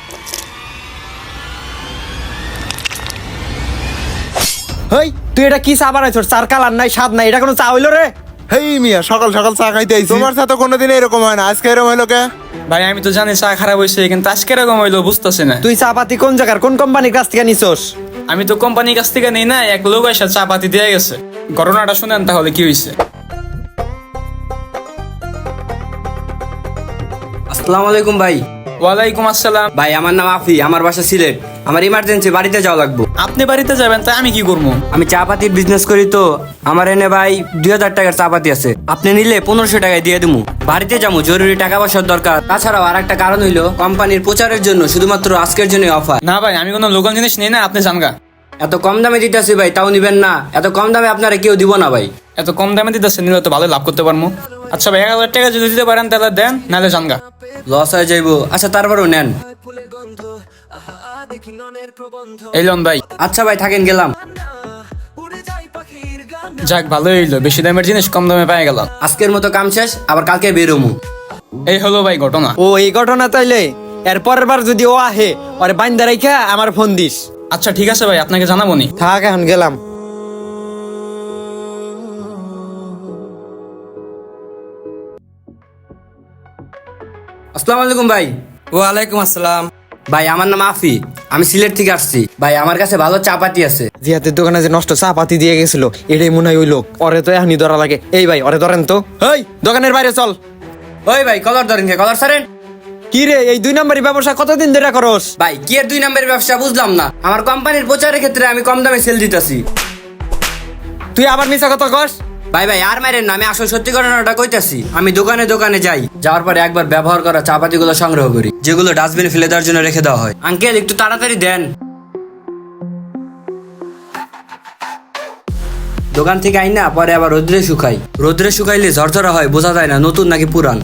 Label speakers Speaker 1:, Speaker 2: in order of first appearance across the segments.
Speaker 1: হেই তুই এটা কি চা বানাইছস? চার কালার নাই, স্বাদ নাই, এটা কোনো চা হইলো রে?
Speaker 2: হেই মিয়া, সকাল সকাল চা খাইতে আইছি। তোমার সাথে কোনোদিন এরকম হয় না, আজকে এরকম হইলো কে?
Speaker 3: ভাই আমি তো জানি চা খারাপ হয়েছে, কিন্তু আজকে এরকম হইলো বুঝতেছি না।
Speaker 1: তুই চা পাতি কোন জায়গার কোন কোম্পানির কাছ থেকে নিছস?
Speaker 3: আমি তো কোম্পানির কাছ থেকে নেই না, এক লোক এসে চা পাতি দিয়ে গেছে। ঘটনাটা শুনেন তাহলে কি হয়েছে।
Speaker 4: আসসালামু আলাইকুম ভাই।
Speaker 3: ওয়ালাইকুম আসসালাম।
Speaker 4: ভাই আমার নাম আফি, আমার বাসা সিলেট। আমার ইমার্জেন্সি বাড়িতে যাওয়া লাগবে।
Speaker 3: আপনি বাড়িতে যাবেন তাই আমি কি করবো?
Speaker 4: আমি চা পাতির বিজনেস করি তো, আমার এনে ভাই 2000 টাকার চা পাতি আছে। আপনি নিলে 1500 টাকায় দিয়ে দেবো। বাড়িতে যাবো, জরুরি টাকা পয়সার দরকার। তাছাড়াও আর একটা কারণ হইলো কোম্পানির প্রচারের জন্য শুধুমাত্র আজকের জন্য অফার।
Speaker 3: না ভাই আমি কোনো লোকাল জিনিস নিই না, আপনি জানগা।
Speaker 4: এত কম দামে দিতেছি ভাই, তাও নিবেন না? এত কম দামে আপনারা কেউ দিব না ভাই।
Speaker 3: এত কম দামে দিতেছে, নিলে তো ভালো লাভ করতে পারবো। আচ্ছা ভাই 1000 টাকা যদি দিতে পারেন তাহলে দেন, নাহলে জানগা।
Speaker 4: লস হয়ে যাইবো। আচ্ছা তারপরেও নেন।
Speaker 3: এই লোন ভাই।
Speaker 4: আচ্ছা ভাই থাকেন, গেলাম।
Speaker 3: যাক ভালোই হইলো, বেশি দামের জিনিস কম দামে পেয়ে গেলাম।
Speaker 4: আজকের মতো কাম শেষ, আবার কালকে বেরোমু।
Speaker 3: এই হলো ভাই ঘটনা।
Speaker 1: ও এই ঘটনা তাইলে এর পরের বার যদি ও আহে ওরে বাইন্দা রাইখা আমার ফোন দিস।
Speaker 3: আচ্ছা ঠিক আছে ভাই, আপনাকে জানাবো নি।
Speaker 1: থাক, এখন গেলাম।
Speaker 4: আসসালামু আলাইকুম ভাই।
Speaker 5: ওয়ালাইকুম আসসালাম।
Speaker 4: ভাই আমার নাম আফি, আমি সিলেট থেকে আসছি। ভাই আমার কাছে ভালো চা পাতি আছে।
Speaker 1: জিহাতের দোকানে যে নষ্ট চা পাতি দিয়ে গেছিল এটাই মনে হয় ওই লোক। ওরে তো এখনই ধরা লাগে। এই ভাই ওরে ধরেন তো। এই দোকানের বাইরে চল।
Speaker 4: ওই ভাই কলার ধরেন কে, কলার ছাড়েন।
Speaker 1: কি রে, এই 2 নম্বরই ব্যবসা কতদিন ধরে করস?
Speaker 4: ভাই কি এর 2 নম্বরের ব্যবসা বুঝলাম না। আমার কোম্পানির প্রচারের ক্ষেত্রে আমি কম দামে সেল দিতেছি।
Speaker 1: তুই আবার মিছা কথা কস?
Speaker 4: ভাই ভাই আর মাইরেন না, আমি আসল সত্যি ঘটনাটা কইতাছি। আমি দোকানে দোকানে যাই, যাওয়ার পরে একবার ব্যবহার করা চা পাতিগুলো সংগ্রহ করি, যেগুলো ডাস্টবিনে ফেলে দেওয়ার জন্য রেখে দেওয়া হয়। আঙ্কেল একটু তাড়াতাড়ি দেন। দোকান থেকে আইনা পরে আবার রোদ্রে শুকাই। রোদ্রে শুকাইলে ঝরঝরা হয়, বোঝা যায় না নতুন নাকি পুরান।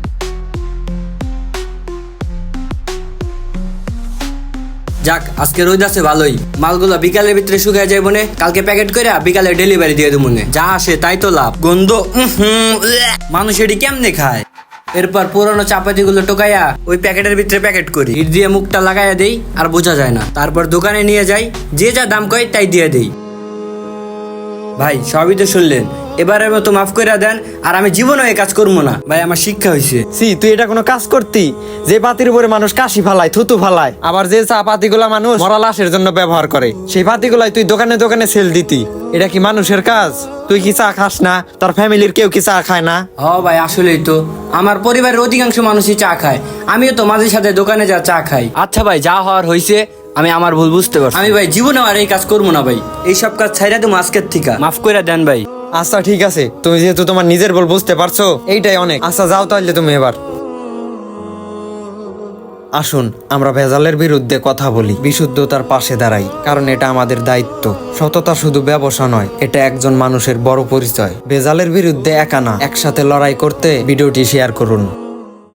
Speaker 4: যাক আজকে রোদ আছে ভালোই। মালগুলো বিকালের ভিতরে শুকায় যাইব নে, কালকে প্যাকেট করে বিকালে ডেলিভারি দিয়ে দেবো নে। যা আসে তাই তো লাভ। গন্ধ মানুষ এটি কেমনে খায়। এরপর পুরোনো চাপাতি গুলো টোকাইয়া ওই প্যাকেটের ভিতরে প্যাকেট করি, হিট দিয়ে মুখটা লাগাইয়া দেই, আর বোঝা যায় না। তারপর দোকানে নিয়ে যাই, যে যা দাম কয় তাই দিয়ে দেই। ভাই সবই তো শুনলেন, এবারের মতো মাফ করে দেন। আর আমি জীবনে এই কাজ করবো না ভাই, আমার শিক্ষা হয়েছে।
Speaker 1: সি তুই এটা কোনো কাজ করতি? যে পাতির উপরে মানুষ কাশি ফালায়, থুতু ফালায়, আবার যে চা পাতিগুলা মানুষ মরা লাশের জন্য ব্যবহার করে, সেই পাতিগুলাই তুই দোকানে দোকানে সেল দিতি। এটা কি মানুষের কাজ? তুই কি চা খাস না? তোর ফ্যামিলির কেউ কি চা খায় না?
Speaker 4: হ ভাই আসলেই তো, আমার পরিবারের অধিকাংশ মানুষই চা খায়। আমিও তো মাঝে সাথে দোকানে যা চা খাই। আচ্ছা ভাই যা হওয়ার হয়েছে, আমি আমার ভুল বুঝতে পারছি। আমি ভাই জীবনে আর এই কাজ করবো না ভাই। এইসব কাজ ছাইরা দেবো আজকের থেকে। মাফ করে দেন ভাই।
Speaker 1: আচ্ছা ঠিক আছে, তুমি যেহেতু তোমার নিজের ভুল বুঝতে পারছো এইটাই অনেক। আচ্ছা যাও তাহলে তুমি এবার। আসুন আমরা ভেজালের বিরুদ্ধে কথা বলি, বিশুদ্ধতার পাশে দাঁড়াই, কারণ এটা আমাদের দায়িত্ব। সততা শুধু ব্যবসা নয়, এটা একজন মানুষের বড় পরিচয়। ভেজালের বিরুদ্ধে একা না, একসাথে লড়াই করতে ভিডিওটি শেয়ার করুন।